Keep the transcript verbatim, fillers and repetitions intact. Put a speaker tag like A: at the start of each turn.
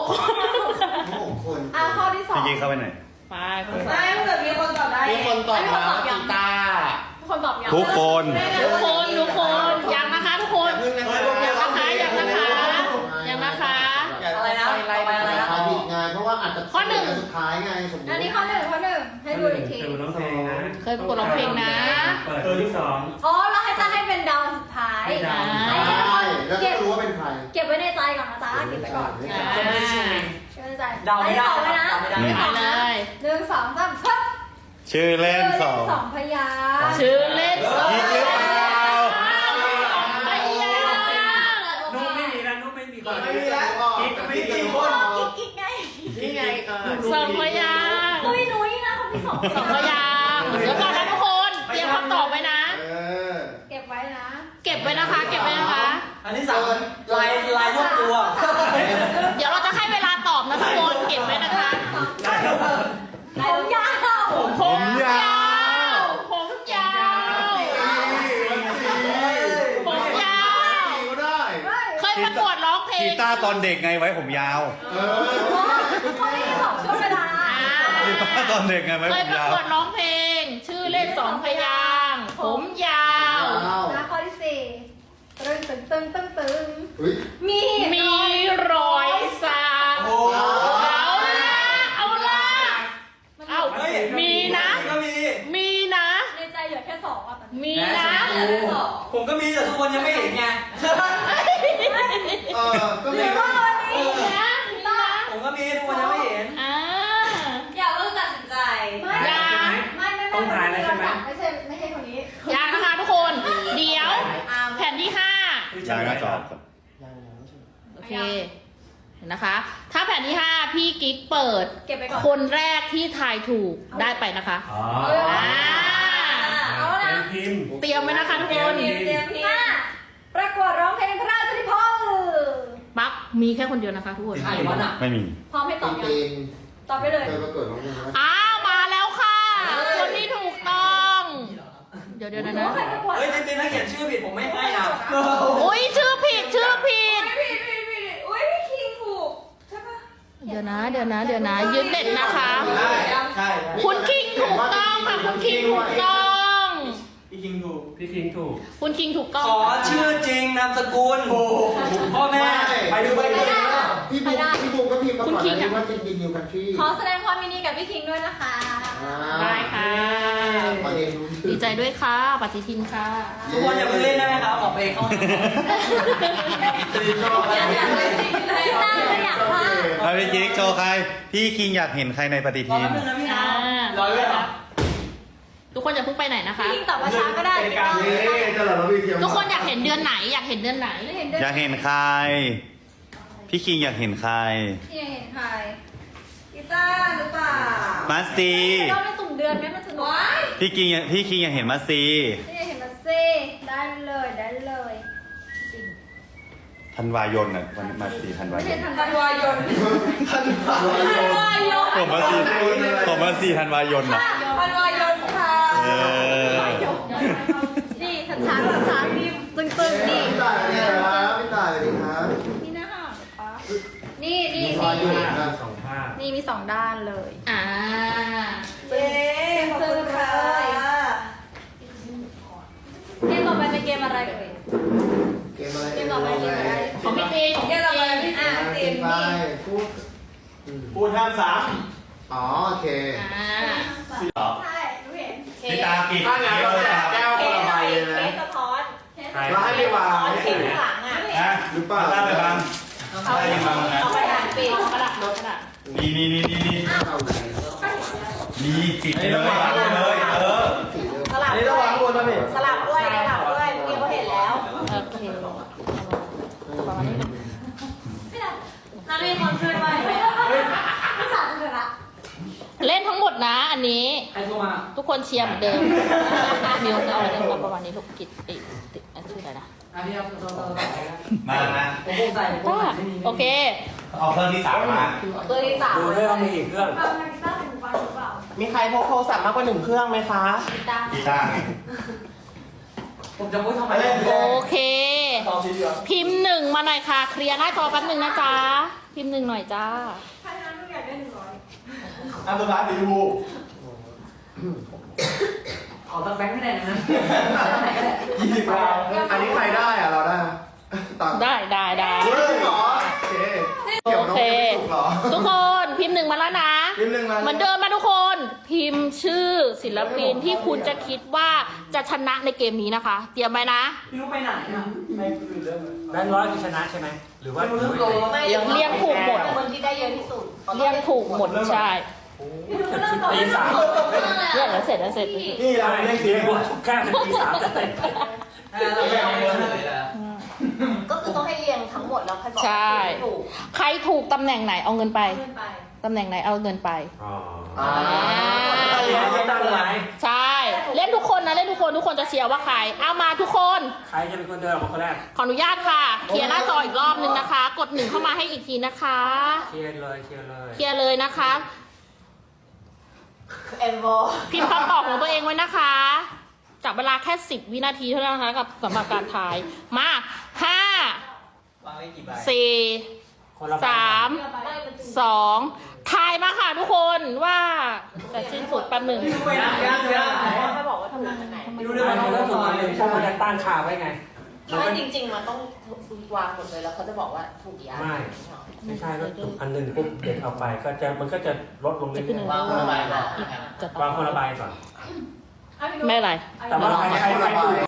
A: หกคน
B: อ่ะข้อที่สอง
C: พี่กิ๊กเข้าไปไหน
D: ไป
B: ได้ถ้าเกิดมีคนตอบได้
E: มีคนตอบมา
B: มี
E: กีตาร์
B: คนตอบยัง
C: ทุกคน
D: ทุกคนทุกคนยังนะคะทุกคนยังนะคะยังนะคะยังนะคะ
E: อะไรนะอะไรอะไรนะ
A: ผิดไงเพราะว่าอาจจะ
D: ข้อหนึ่ง
A: สุดท้ายไงสมมติ
B: อันนี้ข้อหนึ่งข้อหนึ่งให้ดูอีกที
F: เคยร้องเพลงนะ
D: เคยประกวดร้องเพลงนะ
F: เปิดตัวที่สอง
B: อ๋อแล้วให้จะให้เป็นดาวสุดท้าย
F: ให้ดาว
B: ให้
A: ใช่
B: ทุกคน
A: แล้ว
B: เก็
A: ก็
B: บ
A: รู้ว่าเป็นใคร
B: เก็บไว้ในใจก่อนนะจ๊ะเก็บไว้ก่อน
D: อ่า
B: เก็บไว้ในใจ
E: เดาไม่ได้
B: อันนี้ตอบไว้นะ
E: เดาไม่ได้
B: อันนี้ตอบนะ
D: เลย
B: หนึ่งสองสามครับ
C: ชื่อเล่นสอง
B: สองพยางค์
D: ชื่อเล่นสอง
C: กิ๊กหรือเปล่า
D: พยางค์
F: นุ๊กไม่มีแล้วนุ๊กไม่มีก่อน
E: ไม่มีแล้ว
F: กิ๊กก็ไม่มี
B: กิ๊กกิ๊กไง
E: นี่ไงเออ
D: สองพยางค์
B: นุ้ยนุ้ยนะคนที่สอง
D: สองพยางค์แล้วก่อนนะทุกคนเตรียมคำตอบไว้นะ
A: เออ
B: เก็บไว้นะ
D: เก็บไว้นะคะ เก็บไว้นะคะ
E: อันที่สามลายลายยกตัว
D: เดี๋ยวเราจะให้เวลาตอบนะทุกคนเก็บไว้นะคะ
B: ผมยาว
D: ผมยาวผมยาวผมยาว
A: ก็ได้
D: เคยประกวดร้องเพล
C: กี
D: ง
C: ตาร์ตอนเด็กไงไว้ผมยาว
A: เออ
B: เขาไม่ได้บอกช่วงเวลา
C: กีตาร์ตอนเด็กไงไว้
D: เค
C: ผ
D: ย
C: ม
D: ประ
C: ยาว
D: กวดร้องเพลง ชื่อเล่นสองพยางค์ผมยาว
B: นะข้อที่สี่ตึงตึงตึงตึงตึง
A: เฮ้ย
B: มี
D: มีรอยสัก
E: โอ้
D: เอาละเอาละเอา
E: เฮ้ย
D: มีนะ
E: ก็มี
D: มีนะ
B: ในใจเหลือแค่สองอ่ะตอนนี้
D: มีนะ
B: เหลือแค่สอง
E: ผมก็มีแต่ทุกคนยังไม่เห็นไง
A: เออก็
B: ห
A: มี
B: รือว่าวันนี้
D: มีนะมีนะ
E: ผมก็มีทุกคนยังไม่เห็น
D: อ่า
B: อยากเริ่มตัดสินใจไม่
D: ยัง
B: ไม่ไม่ไม่
F: ต้องถ่ายแล้วใช่ไหม
B: ไม่ใช่ไม่ใช่คนนี้
D: ยังนะคะทุกคน เดี๋ยวแผ่นที่ห้า
C: ยางนะจอบ
D: โอเคเห็นนะคะ ถ้าแผ่นที่ห้าพี่กิ๊กเปิด
B: เก็บไปก่อน
D: คนแรกที่ทายถูกได้ไปนะคะ
F: อ๋อ
D: อ่า
B: เอา
F: เป็
B: ละ
F: นพิมพ์
D: เตรียมไว้นะคะทุกคน
B: เตรียมเตรียมทีห้าประกวดร้องเพลงพระราชนิพนธ์
D: ปั๊บมีแค่คนเดียวนะคะทุกคน
E: ใครวะน่ะ
C: ไม่มี
B: พร้อมให้ตอบยัง
A: จริง
B: ตอบไปเลย
A: เคยประกวดร้องเพลงไหม
D: อ้าวมาแล้วค่ะ คนที่ถูกต้อง เดี๋ยวเดี๋ยวนะ
B: ใครประกวด
E: เฮ้ยจริงๆถ้าเขียนชื่อผิดผมไม่ให้นะ
D: อุ้ยชื่อผิดชื่อผิด
B: ผิดผิดผิดอุ้ยพี่คิงถูกใช่ปะ
D: เดี๋ยวนะ เดี๋ยวนะ เดี๋ยวนะ ยืนเด็ดนะคะ
E: ใช่ใช่
D: คุณคิงถูกต้องค่ะ คุณคิงถูกต้อง
E: พี่คิงถูก
F: พี่คิงถูก
D: คุณคิงถูกต้อง
E: ขอชื่อจริงนามสกุลพ่อแม่ไปดูไปดู
A: พี่บุ๊กพี่บุ๊กก็พิมพ์มา
D: คุณ
A: ก่อน
D: คิง
A: นะ
D: อะ
A: ว่าจริงจริงนิวคันทรี
B: ขอแสดงความยินดีกับพี่คิงด้วยนะคะ
D: ได้ค่ะ
A: ประเด็นรู้
D: ดีใจด้วยค่ะปฏิทินค่ะ
E: ทุกคนอย่าเพิ่งเล่นได้ไหมครับขอเพลงเข้า
B: อยากอยากเลยพี่ตั้งเลยอยากพลาด
C: ใครพี่กิ๊กโชว์ใคร พี่คิงอยากเห็นใครในปฏิ
E: รอ
C: ทิน
E: แป๊บนึงนะพี่นะ
D: อ่าร
E: อด้วยเหรอ
D: ทุกคนอย่าเพิ่งไปไหนนะคะ
B: พี่คิงตอบว่าช้าก็ได้ไม่ต้อง
A: นี่จะหล่อเราวีเทียม
D: ทุกคนอยากเห็นเดือนไหน อยากเห็นเดือนไหน
B: ไม่เห็นด้วย
C: อยากเห็นใคร พี่คิงอยากเห็นใคร
B: พี่เห็นใครกีตาร์หรือเปล่า
C: มาซี
B: เราไปสุ่มเดือนไหมมันสนุก
C: พี่คิงพี่คิงอยากเห็นมาซี
B: พี่เห็นมาซิได้เลยได้เลย
C: ธันวายนอ่ะวันมาซีธันวา
B: ไม่
C: ย
B: ใช่
C: น
B: ธันวายน
A: ท่านผ่าน
B: ธันวายน
C: ผมมาซีผมมาซีธันวายนอ่ะ
B: ธันวายนค่ะ
C: เออ
B: นี่ทันช้างทันช้างนี่ตึงตึงนี่
A: พี่ต่ายเนี่ยครับพี่ต่ายสวัสดีครับ
B: นี่นะคะนี่นี่
A: มีความยุ่ง
B: นี่
A: นะ
F: สองภาพ
B: นี่มีสองด้านเลย
D: อ่า
B: เย้ขอบคุณค่ะเกมต่อไปเป็นเกมอะไรเอ่ย
A: เกมอะไร
B: เกมต่อไปเป็นอะไร
D: ของพี่ตีของ
B: เก
D: พี่
B: มต่อไป
D: ตี
B: พี่อ่ะ
A: เก
B: ตี
A: ม
B: ม
A: ไป
B: นี่
A: พูดอืม
E: พูดห้ามสาม
A: อ๋อโอเค
D: อ่า
B: ใช่รู้เห็น
C: พี่ตาปิด
E: ถ้างั้นเราแจกแก้วคนละใบเลย
B: เค
E: นะ
B: สสะท้อน
F: ใคร
E: เราให้ไปวาง
B: สะท้อน
E: ให้
B: คิ
E: เห็
B: ง
E: น
B: หลังอ่ะ
C: นะ
A: หรือเปล่า
C: ตาไปบัง
B: เอาไปเอาไปดันปีก
D: กระดาษกระดาษ
C: นี่นี่นี่นี่นี่
A: เอาไหน
C: นี่ปิดไปเลยปิดไปเลยเออ
A: สีเดิม
B: สลับ
E: อันนี้ระวังบนนะพี่
B: สลับด้วยสลับด้วยเมื่อกี้เขาเห็นแล้ว
D: โอเคประมาณนี้นะ
B: ไม่ได้นารีคนช่วยไปไม่สั่นเลยละ
D: เล่นทั้งหมดนะ อันนี้
E: ใครโทรมา
D: ทุกคนเชียร์เหมือนเดิมมิวจะเอาอะไรมาประมาณนี้ลูกกิจติติอันชื่ออะไรนะ
E: อันนี้ครับโทรโทรโทร
C: มามา
E: ผมคงใส่ผมคง
D: ป้า
E: ใส่ไม่มี
D: โอเค
C: เอาเครื่องที่สามมา
B: ตัวที่สาม
E: ดูด้วยว่ามีอีกเครื่อง
B: ฟังกีตาร์ถึงฟังหรือเปล่า
E: มีใครพกโทรศัพท์มากกว่าหนึ่งเครื่องไหมคะ
B: กีตาร์
C: กีตาร์
E: ผมจะพูดทำไมเล่น
D: โอเค
E: ตอบทีเดียว
D: พิมพ์หนึ่งมาหน่อยค่ะ เคลียร์หน้าจอแป๊บหนึ่งนะจ๊ะ พิพิมพ์หนึ่งหน่อยจ้า
B: ใครนั้นอยากได้หนึ่งร้อย
C: อันตัวร้านสีชมพู
E: ขอตักแบงค์ไม่ได้นะ
C: ยี่สิบดาว
A: อันนี้ใครได้อะเราได้ไหมตังค์
D: ได้ได้ได้
A: เฮ้ยจริงเหรอโอเคเกี่ยวน้องไม่ถูกเหรอ
D: ทุกคนพิมพ์หนึ่งมาแล้วนะ
A: พิมพ์หนึ่งมา
D: เหมือนเดิมนะทุกคน พิมพ์ชื่อศิลปินที่คุณจะคิดว่าจะชนะในเกมนี้นะคะ เตรียมไว้นะ
E: พี่นุ๊กไปไหนอ่ะ
F: แบงค์ร้อยคือชนะใช่ไหมหรือว่า
E: ไม่รู้โล
D: เรียงถูกหมด
B: คนที่ได้เยอะที่สุด
D: เรียงถูกหมดใช่
F: ตีสาม
D: เรียงแล้วเสร็จแล้วเสร็จ
C: นี่เราเล่นเกม
F: ทุกแค่เป็นตีสามจะเต็ม
E: เราไม่เอาเงินเลยละ
B: ก็คือต้องให้เรียงทั้งหมดแล้วใครบอก
D: ใช่
B: ถูก
D: ใครถูกตำแหน่งไหนเอาเงินไป
B: ขึ้นไป
D: ตำแหน่งไหนเอาเงินไป
F: อ๋อ
A: อ่า
F: ไม่ตั้งไร
D: ใช่ เล่นทุกคนนะ เล่นทุกคนทุกคนจะเชียร์ว่าใคร เอามาทุกคน
F: ใครจะเป็นคนเดินออกมาคนแรก
D: ขออนุญาตค่ะ เคลียร์หน้าจออีกรอบนึงนะคะ กดหนึ่งเข้ามาให้อีกทีนะคะ
F: เคลียร์เลยเคลียร์เลย
D: เคลียร์เลยนะคะ
B: เอ็มโบ
D: พิมพ์คำตอบของตัวเองไว้นะคะจับเวลาแค่สิบวินาทีเท่านั้นนะคะกับสำหรับการทาย มาห้าว
E: างไว้กี่ใบ
D: สี่
F: คนละใบ
D: สามสองทายมาค่ะทุกคนว่าจะสิ้นสุดแป๊บหนึ่ง
E: พี่นุ๊กไปไหนย่างย่าง
B: เขาบอกว่าทำงานจากไหน
E: ไม่
F: ดู
E: รู้
F: ได้
E: ได้
F: ไห
E: ไห
F: ม
E: ม
F: ถ้าถูกอันหนึ่งพวกมันจะตั้งค่าไว้ไงมัน
B: ไม่
F: ก็
B: จริง ๆ มันต้องวางหมดเลยแล้วเขาจะบอกว่าถูกกี่อัน
F: ไม่ ไม่ใช่ก็ถูกอันหนึ่งปุ๊บเด็กเอาไปก็จะมันก็จะลดลงเรื่
D: จะขึ้นหนึ่
F: อง ย
E: วางคนละใบก่อน
D: จะ
F: ๆวางคนละใบก่อน
D: ไม่เป็นไร
F: แต่ว่าใครใครใครถูก